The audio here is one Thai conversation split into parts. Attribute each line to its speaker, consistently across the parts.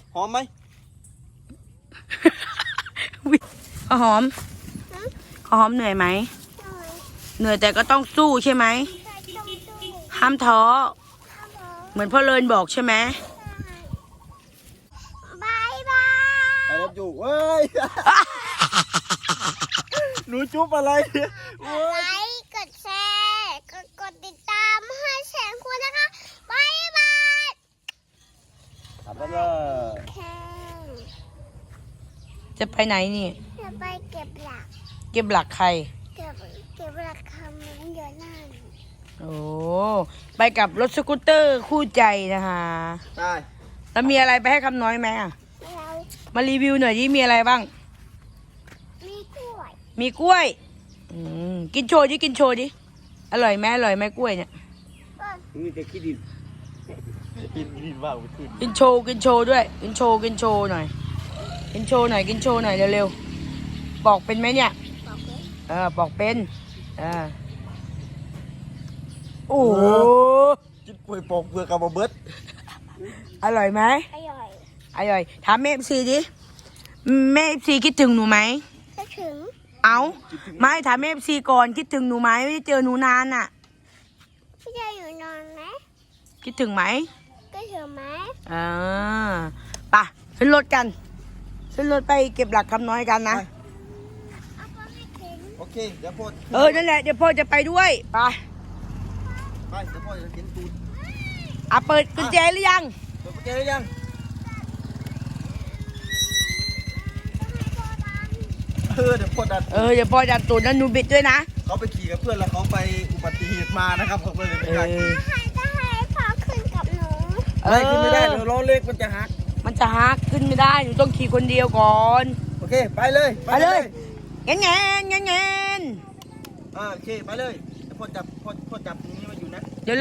Speaker 1: หอมไหม
Speaker 2: ข้าวหอมข้าวหอมเหนื่อยไหมเหนื่อยแต่ก็ต้องสู้ใช่ไหมห้ามท้อเหมือนพ่อเลินบอกใช่ไหม
Speaker 3: บายบาย
Speaker 1: ไอ้รับอยู่เว้ย หนูจุ๊บอะไรเว้
Speaker 3: ไล
Speaker 1: ย
Speaker 3: ค์กดแชร์กดติดตามให้แสนคุณนะคะบายบาย
Speaker 1: ทำแล้วเลย
Speaker 3: แข่ง
Speaker 2: จะไปไหนนี่
Speaker 3: จะไปเก็บหลัก
Speaker 2: เก็บหลักใคร
Speaker 3: เก็บหลักคำมันเยอะนั่น
Speaker 2: โอ้ไปกับรถสกูตเตอร์คู่ใจนะคะ
Speaker 1: ได้
Speaker 2: แล้วมีอะไรไปให้คำน้อยไหมอ่ะ
Speaker 3: เรา
Speaker 2: มารีวิวหน่อยดิมีอะไรบ้าง
Speaker 3: มีกล้วย
Speaker 2: มีกล้วยกินโชว์ดิกินโชว์ดิอร่อยไหมอร่อยไหมกล้วยเนี่ย
Speaker 1: นี่จะคิดดินดินว่าไปขึ้น
Speaker 2: กินโชว์ด้วยกินโชว์หน่อยกินโชว์หน่อยเร็วๆปอกเป็นไหมเนี่ย
Speaker 3: บอกเลย
Speaker 2: ปอกเป็นโอ้โห
Speaker 1: กินกล้วยปอกเปลือกกับเบิร์ด
Speaker 2: อร่อยไหม
Speaker 3: อร่อย
Speaker 2: ถามแม่ซีดิแม่ซีคิดถึงหนูไหม
Speaker 3: ก็ถึง
Speaker 2: เอาไม่ถามแม่ซีก่อนคิดถึงหนูไหมไม่ได้เจอหนูนานอ่ะ
Speaker 3: พี่จะอยู่นอนไหม
Speaker 2: คิดถึงไหม
Speaker 3: ก็ถึงไหม
Speaker 2: ไปขึ้นรถกันขึ้นรถไปเก็บหลักคำน้อยกันนะ
Speaker 3: เอาไปให้ถึง
Speaker 1: โอเคเดี๋ยวพ่อ
Speaker 2: นั่นแหละเดี๋ยวพ่อจะไปด้วยไป
Speaker 1: ไปเดี๋ยวพ่อจะกินตูด
Speaker 2: เปิดกุญแจหรือยัง
Speaker 1: เปิดกุญแจหรือยังเดี๋ยวพ่อดัน
Speaker 2: เดี๋ยวพ่อจะตูดแล้วหนูบิดด้วยนะ
Speaker 1: เขาไปขี่กับเพื่อนแล้วเขาไปอุบัติเหตุมานะครับเขาเลยไม่กล้าขี่
Speaker 3: จะให้พ่อขึ้นกับหนู
Speaker 1: ไม่ขึ้นไม่ได้เดี๋ยวล้อเล็กมันจะหัก
Speaker 2: มันจะฮักขึ้นไม่ได้หนูต้องขี่คนเดียวก่อน
Speaker 1: โอเคไปเลย
Speaker 2: ไปเลยเงี้ย
Speaker 1: โอเคไปเลยเดี๋ยวพ่อจับตรงนี้มาอยู่นะ
Speaker 2: เร็ว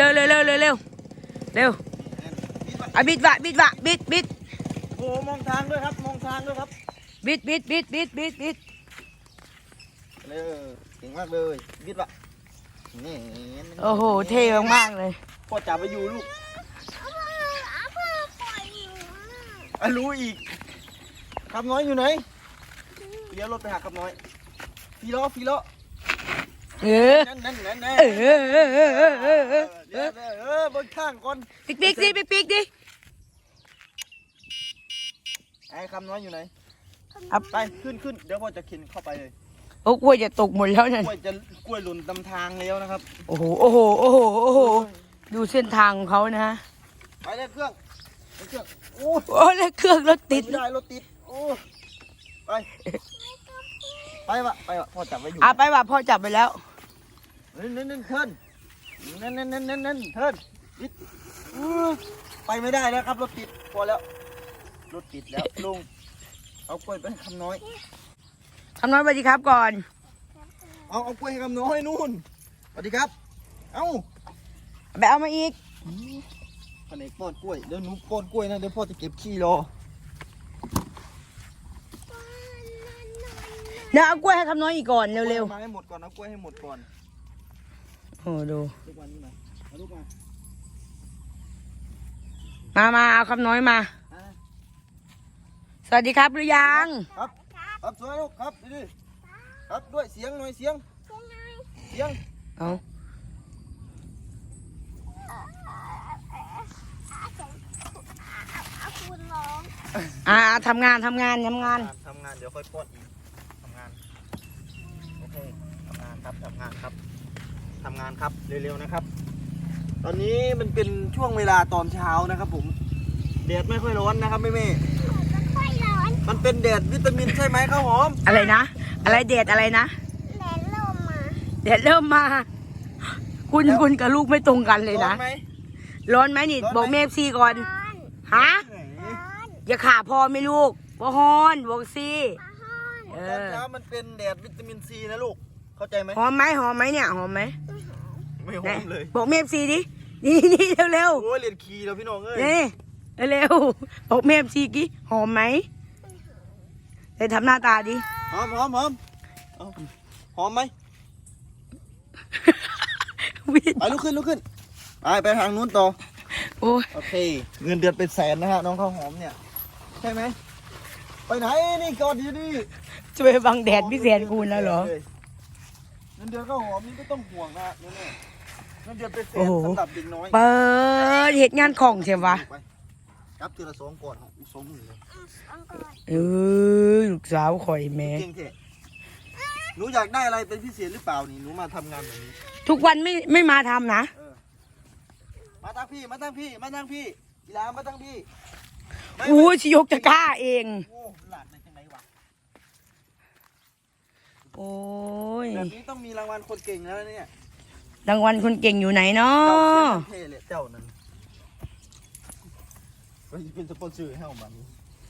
Speaker 2: บิด
Speaker 1: โอ้มองทางด้วยครับมองทางด้วยครับ
Speaker 2: บิด
Speaker 1: เก่งมากเลยบิดวะนี่
Speaker 2: โอ้โหเท่มากๆเลย
Speaker 1: พ่อจับไปอยู่ลูก
Speaker 3: เอาพ่อปล่อยหนู
Speaker 1: รู้อีกคำน้อยอยู่ไหนเลี้ยวรถไปหาคำน้อยฟีล้อ นั่นบนข้างก่อน
Speaker 2: ปิ๊กดิ
Speaker 1: ไอ้คำน้อยอยู่ไหน
Speaker 2: เอา
Speaker 1: ไปขึ้นเดี๋ยวพ่อจะเข็นเข้าไปเลย
Speaker 2: โอ้กล้วยจะตกหมดแล้วนั่น
Speaker 1: กล้วยหล่นตำทางแล้วนะครับ
Speaker 2: โอ้โหดูเส้นทางของเขานะฮะ
Speaker 1: ไปเลยเครื่องโอ้
Speaker 2: โอ้แล้วเครื่องรถติด
Speaker 1: ไม่ได้รถติดโอ้ไปวะพ่อจับไว้อยู่
Speaker 2: ไปว่ะพ่อจับไปแล้ว
Speaker 1: นั่นเทิร์นเทิร์นนิดไปไม่ได้แล้วครับรถติดพอแล้วรถติดแล้วลุงเอากล้วยไปให้คำน้อย
Speaker 2: คำน้อยสวัสดีครับก่อน
Speaker 1: เอากล้วยให้คำน้อยนู่นสวัสดีครับเอา
Speaker 2: ไปเอามาอีก
Speaker 1: แผนกป้อนกล้วยเดี๋ยวหนูป้อนกล้วยนะเดี๋ยวพ่อจะเก็บขี้รอ
Speaker 2: เดี๋ยวเอากล้วยให้คำน้อยอีกก่อนเร็ว
Speaker 1: มาให้หมดก่อนเอากล้วยให้หมดก่อน
Speaker 2: ๆโอ้ดู
Speaker 1: ลูกวันนี้มาเอาลูกมา
Speaker 2: มาเอาคำน้อยมา สวัสดีครับหรือยัง
Speaker 1: ครับสวยลูกครับดีครับด้วยเสียงหน่อยเสียง
Speaker 2: เอา
Speaker 3: เอาคุณร้อง
Speaker 2: ทำงาน
Speaker 1: ทำงานเดี๋ยวค่อยป้อนอีกทำงานโอเคทำงานครับเร็วๆนะครับ ตอนนี้มันเป็นช่วงเวลาตอนเช้านะครับผมแดดไม่ค่อยร้อนนะครับแม่
Speaker 3: ไม่ค่อยร้อน
Speaker 1: มันเป็นแดดวิตามินใช่ไหมข้าวหอม
Speaker 2: อะไรนะ อะไรเดดอะไรนะ
Speaker 3: แดดลมมา
Speaker 2: เดดเริ่มมา คุณกับลูกไม่ตรงกันเลยนะ
Speaker 1: ร้อนไหม
Speaker 2: ร้อนไหมนี่
Speaker 1: ร้อนไหม
Speaker 2: บอกเมฟซีก่อน
Speaker 3: ร้อน
Speaker 2: ฮะ
Speaker 3: ร้อน
Speaker 2: อย่าขาพอไหม่ลูกบ่ฮอนบอกซี
Speaker 3: ร้อน
Speaker 1: ตอนเช้ามันเป็นแดดวิตามินซีนะลูกเข้าใจไหม
Speaker 2: หอมไหมเนี่ยหอมไหม
Speaker 1: ไม่หอมเลย
Speaker 2: บอกเมฟซีดินี่เร็ว
Speaker 1: โอ้ยเรียนคีแล้วพี่น้องเอ้ย
Speaker 2: นี่เร็วบอกเมฟซีกี้หอมไหมเลยทำหน้าตาดิ
Speaker 1: หอมเอาหอมไหม
Speaker 2: วิน
Speaker 1: ไปลุกขึ้นไปทางนู้นต่อ
Speaker 2: โอ้ย
Speaker 1: โอเคเงินเดือนเป็นแสนนะฮะน้องข้าวหอมเนี่ยใช่ไหมไปไหนนี่กอดอยู่นี่
Speaker 2: จะไปบังแดดพี่แสนคูณแล้วเหรอ
Speaker 1: เงินเดือนข้าวหอมนี่ก็ต้องห่วงนะเนี่ยเงินเดือนเป็นแส
Speaker 2: โอ้
Speaker 1: น
Speaker 2: โห
Speaker 1: สำหรับเด็กน้อย
Speaker 2: เปิดเหตุงานของใช่ปะ
Speaker 1: ไปรับทีละ2ก่อนอีก2หมื่นเลย
Speaker 2: เออลูกสาวข่อยแม่
Speaker 1: เก่งเถอะหนูอยากได้อะไรเป็นพิเศษหรือเปล่านี่หนูมาทำงานแบบนี้
Speaker 2: ทุกวันไม่มาทำนะ
Speaker 1: มาตั้งพี่กีฬามาตั้งพี่ไม่
Speaker 2: อู้ชิยกจะกล้าเอง
Speaker 1: โอ้หลานในจังไหนวะ
Speaker 2: โอ้ย
Speaker 1: แบบนี้ต้องมีรางวัลคนเก่งแล้วเนี่ย
Speaker 2: รางวัลคนเก่งอยู่ไหนเนาะ
Speaker 1: เท่เลยเจ้านั้นก็เป็นสปอนเซอร์ให้ของมัน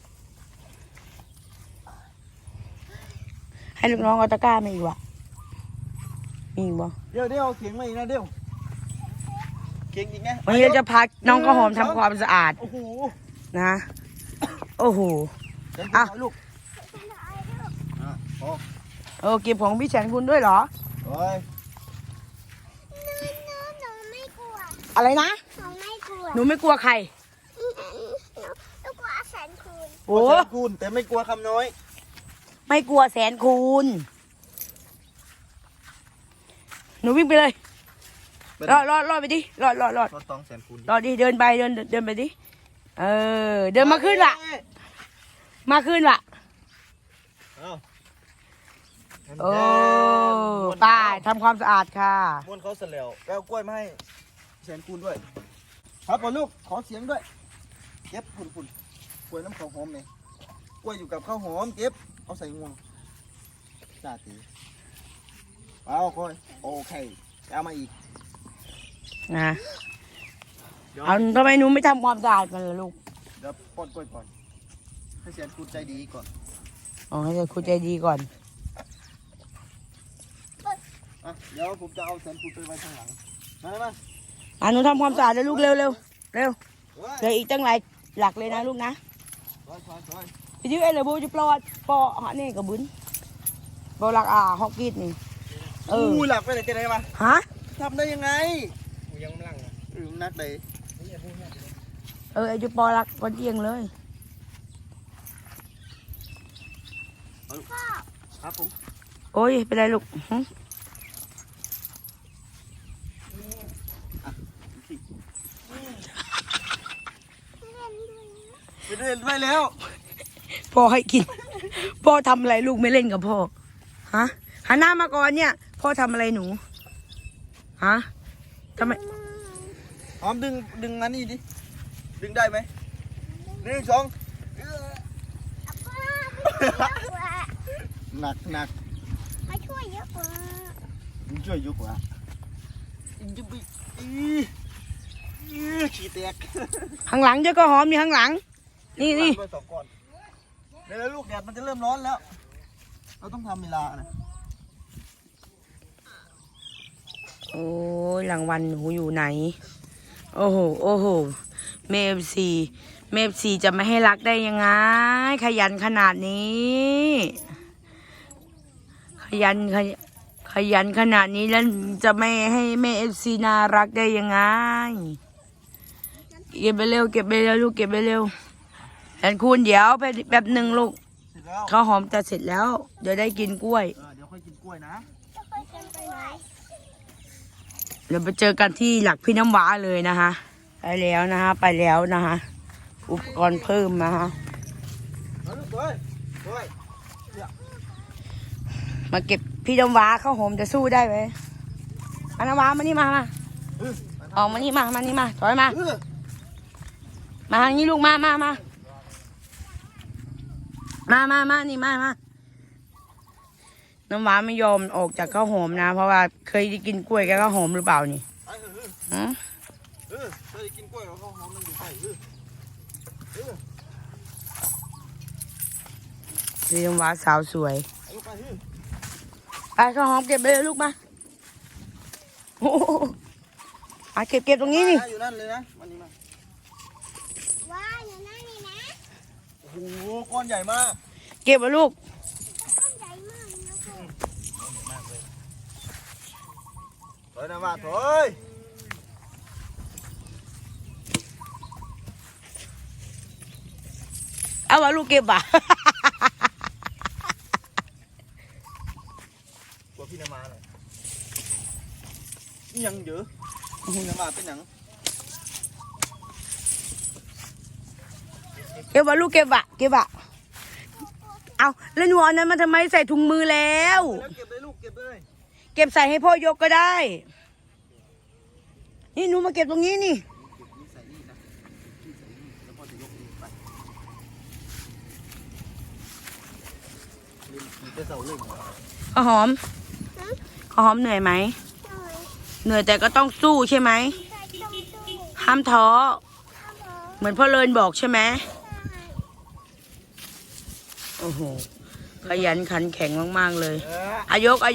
Speaker 2: ให้ลูกน้องเอาตะกร้ามาอีกวะมีอีกบ่
Speaker 1: เดี๋ยวเอาเขียงมาอีกนะเดี๋ยวเขียงอีกไง
Speaker 2: วันนี้เราจะพาน้องข้าวหอมทำความสะอาด
Speaker 1: โอ้โห
Speaker 2: นะ โอ้โห
Speaker 1: อ่ะ
Speaker 2: อ่ะ
Speaker 1: ลูกโอ้
Speaker 2: เก็บของพี่แสนคุณด้วยเหรอ
Speaker 1: โอ้ย
Speaker 3: หนูไม่กลัว
Speaker 2: อะไรนะ
Speaker 3: หนูไม่กลัว
Speaker 2: หนูไม่กลัวใคร
Speaker 3: หนูกลัวแสนคูณ
Speaker 2: โอ้
Speaker 1: แสนคูณแต่ไม่กลัวคำน้อย
Speaker 2: ไม่กลัวแสนคูณ หนูวิ่งไปเลย รอดไปดิรอด
Speaker 1: ก็ต้องแสนคูณ
Speaker 2: รอดิเดินไปเดินไปดิ เดินมาขึ้นละมาขึ้นละ
Speaker 1: เอ้า
Speaker 2: โอ้ตายทำความสะอาดค่ะ
Speaker 1: ม้วนเขาเสร็จแล้วแปลกล้วยมาให้แสนคูณด้วย ครับก่อนลูกขอเสียงด้วยเก็บฝุ่นกล้วยน้ำข้าวหอมเนี่ยกล้วยอยู่กับข้าวหอมเก็บเอาใส่งวงจ่าตีเอาค่อยโอเคเอามาอีก
Speaker 2: นะ
Speaker 1: เดี๋ยว
Speaker 2: เอาทำไมหนูไม่ทำความสะอาดกันล่ะลูก
Speaker 1: เดี๋ยวป้อนกล้วยก่อนให้แสนคูณใจดีก่อน
Speaker 2: อ๋อให้คุณใจดีก่อน
Speaker 1: อ่ะเดี๋ยวผมจะเอาแสนคูณไปไว้ข้างหลังมามา
Speaker 2: หนูทำความสะอาดเลยลูกเร็ว
Speaker 1: เฮ้ย
Speaker 2: เหลืออีกตั้งหลายหลักเลยนะลูกนะ
Speaker 1: ถอย
Speaker 2: พี่ยื้อเลยบูจะปลอดปอฮะนี่กับบุญปอหลักฮอกกี้นี่
Speaker 1: อู้หลับไปไหนจะไหนมา
Speaker 2: ฮะ
Speaker 1: ทำได้ยังไง
Speaker 4: ยังไม่ลั่งอ่ะ
Speaker 1: นักเลย
Speaker 2: ไอ้จะปอหลักปอเอียงเลย
Speaker 1: ครับผม
Speaker 2: โอ้ยเป็นไรลูกหึ
Speaker 1: ไปเล่นไปแล้ว
Speaker 2: พ่อให้กิน พ่อทำอะไรลูกไม่เล่นกับพ่อ ฮะหันหน้ามาก่อนเนี่ย พ่อทำอะไรหนู ฮะทำไม
Speaker 1: หอมดึงอันนี้ดิ ดึงได้ไหม1 2หนัก
Speaker 3: มาช่วยเยอะกว่า
Speaker 1: มึงช่วยยุกว่ะยุบขี้แตก
Speaker 2: ข้างหลังเจ้าก็หอมอยู่ข้างหลัง นี่
Speaker 1: ด้วย2ก้อนเดี๋ยวลูกแดดมันจะเริ่มร้อนแล้ว เราต้องทำเวลานะ
Speaker 2: โอ้ยรางวัลหนูอยู่ไหน โอ้โหเมฟซีจะไม่ให้รักได้ยังไง ขยันขนาดนี้ ขยันขนาดนี้แล้วจะไม่ให้แม่FC น่ารักได้ยังไง เก็บไปเร็วลูกเก็บไปเร็วแทนคุณเดี๋ยวแบบหนึ่งลูก
Speaker 1: เสร็จแล้ว
Speaker 2: ข้าวหอมจะเสร็จแล้ว เดี๋ยวได้กินกล้วย
Speaker 1: เดี๋ยวค่อยกินกล้วยนะ
Speaker 3: จะไปกันไปไหน
Speaker 2: เดี๋ยวไปเจอกันที่หลักพี่น้ำว้าเลยนะคะไปแล้วนะคะอุปกรณ์เพิ่มนะคะ
Speaker 1: มาลูกด้วย
Speaker 2: มาเก็บพี่น้ำว้าข้าวหอมจะสู้ได้ไหมมาน้ำว้ามานี่มา
Speaker 1: เออ
Speaker 2: ออกมานี่มานี่มาถอยมา
Speaker 1: เออ
Speaker 2: มาทางนี้ลูกมานี่มาน้ำว้าไม่ยอมออกจากข้าวหอมนะ เพราะว่าเคยได้กินกล้วยกับข้าวหอมหรือเปล่านี่
Speaker 1: ไปเถอะ
Speaker 2: หือ
Speaker 1: เคยกินกล้วยกับข้าวหอมมันอยู่ใกล้
Speaker 2: พี่น้ำว้าสาวสวย
Speaker 1: เอาลูกไป
Speaker 2: ไปข้าวหอมเก็บไปเลยลูกมาโอ้โหมาเก็บตรงนี้นี่
Speaker 1: อยู่นั่นเลยนะมันนี่มา
Speaker 3: ว้าอยู่นั่นนี่นะ
Speaker 1: โอ้โหก้อนใหญ่มาก
Speaker 2: เก็บมาลูก
Speaker 3: ต้นใหญ่มากเลยนะพ่อ
Speaker 1: ถอยนะมาถอย
Speaker 2: เอาเอาว่าลูกเก็บอ่ะ
Speaker 1: กลัวพี่นามาหน่อยนี่ยังเยอะพี่นามาเป็นหยัง
Speaker 2: เก็บว่าลูกเก็บอ่ะเก็บอ่ะเอาแล้วหนูเอานั้นมาทำไมใส่ถุงมือแล้ว
Speaker 1: แล้วเก็บเลยลูกเก็บเลย
Speaker 2: เก็บใส่ให้พ่อยกก็ได้ นี่หนูมาเก็บตรงนี้นี่
Speaker 1: เก็บนี่ใส่นี่นะพี่ใส่นี่แล้วพ่อจะยกเองไปเล่นขี่ไปเสาเล่น
Speaker 2: ข้าวหอมข้าวหอมเหนื่อยไหม เหนื่อยแต่ก็ต้องสู้ใช่ไหม ห้ามท้อ เหมือนพ่อเลินบอกใช่ไหมโอ้โห ขยันขันแข็งมากๆเลยอายก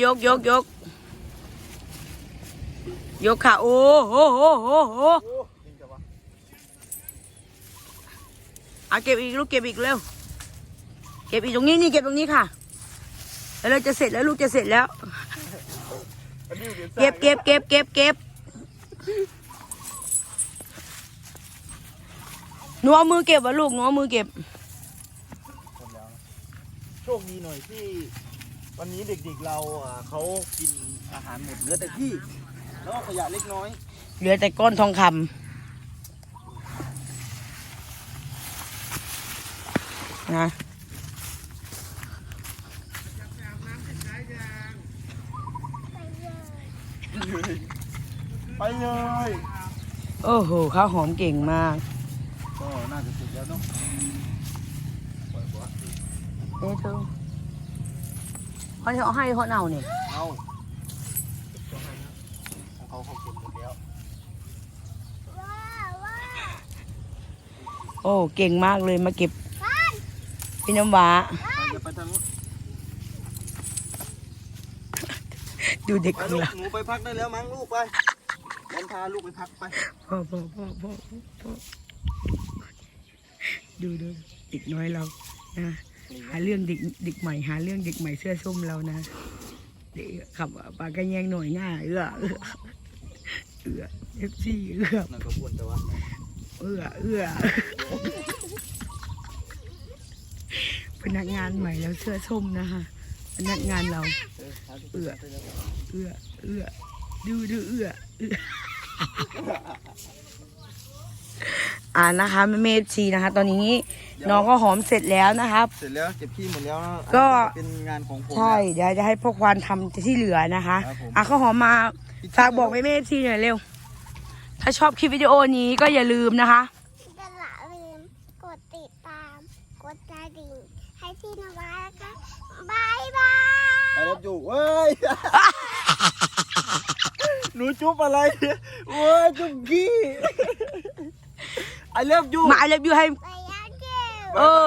Speaker 2: ยกค่ะ โอ้โหเอาเก็บอีกลูกเก็บอีกเร็ว เก็บอีกตรงนี้นี่เก็บตรงนี้ค่ะ แล้วเราจะเสร็จแล้วลูกจะเสร็จแล้ว เก็บหนูเอามือเก็บวะลูกหนูเอามือเก็บ
Speaker 1: โชคดีหน่อยที่วันนี้เด็กๆเราเขากินอาหารหมดเหลือแต่ที่แล้วก็ขยะเล็กน้อย
Speaker 2: เหลือแต่ก้อนทองคำนะ
Speaker 1: ไปเลย
Speaker 2: โอ้โหข้าวหอมเก่งมาก
Speaker 1: ก็น่าจะเสร็จแล้วเนาะ
Speaker 2: เอ้เธอเขาจะเอาให้เขาเอาเนี่ย
Speaker 1: เอาของเขาเก็บหมดแล้ว
Speaker 2: โอ้เก่งมากเลยมาเก็บพี่น้ำหวา
Speaker 1: จะไปทางนู้น
Speaker 2: ดูเด็ก
Speaker 1: ไป
Speaker 2: ของ
Speaker 1: ลูก
Speaker 2: เรา
Speaker 1: หนูไปพักได้แล้วมั้งลูกไปแอนพาลูกไปพักไป
Speaker 2: พ่อดูเด็กน้อยเรานะหาเรื่องเด็กใหม่หาเรื่องเด็กใหม่เสื้อส้มเรานะเด็กขับปากกระแยงหน่อยง่ายเอฟซี
Speaker 1: นั่นก็ควรแต่ว่า
Speaker 2: พนักงานใหม่แล้วเสื้อส้มนะคะพนักงานเรานะคะแม่ชีนะคะ ตอนนี้น้องก็หอมเสร็จแล้วนะครับ
Speaker 1: เสร็จแล้วเก็บขี้หมดแล้ว
Speaker 2: ก็
Speaker 1: เป็นงานของผม
Speaker 2: ใช่เดี๋ยวจะให้พ่อควานทำที่เหลือนะคะ
Speaker 1: ครับผม
Speaker 2: ข้าวหอมมาฝากบอกแม่ชีหน่อยเร็วถ้าชอบคลิปวิดีโอนี้ก็อย่าลืมนะคะ
Speaker 3: อย่าลืมกดติดตามกดกระดิ่งให้ที่นวัดนะคะบายบาย
Speaker 1: ไปรับอยู่เว้ย หนูจุ๊บอะไรเว้ยจุ๊บขี้ไอเลิฟยู
Speaker 2: มาเล็บยูให้
Speaker 3: ไปยังเก็บ
Speaker 2: เออ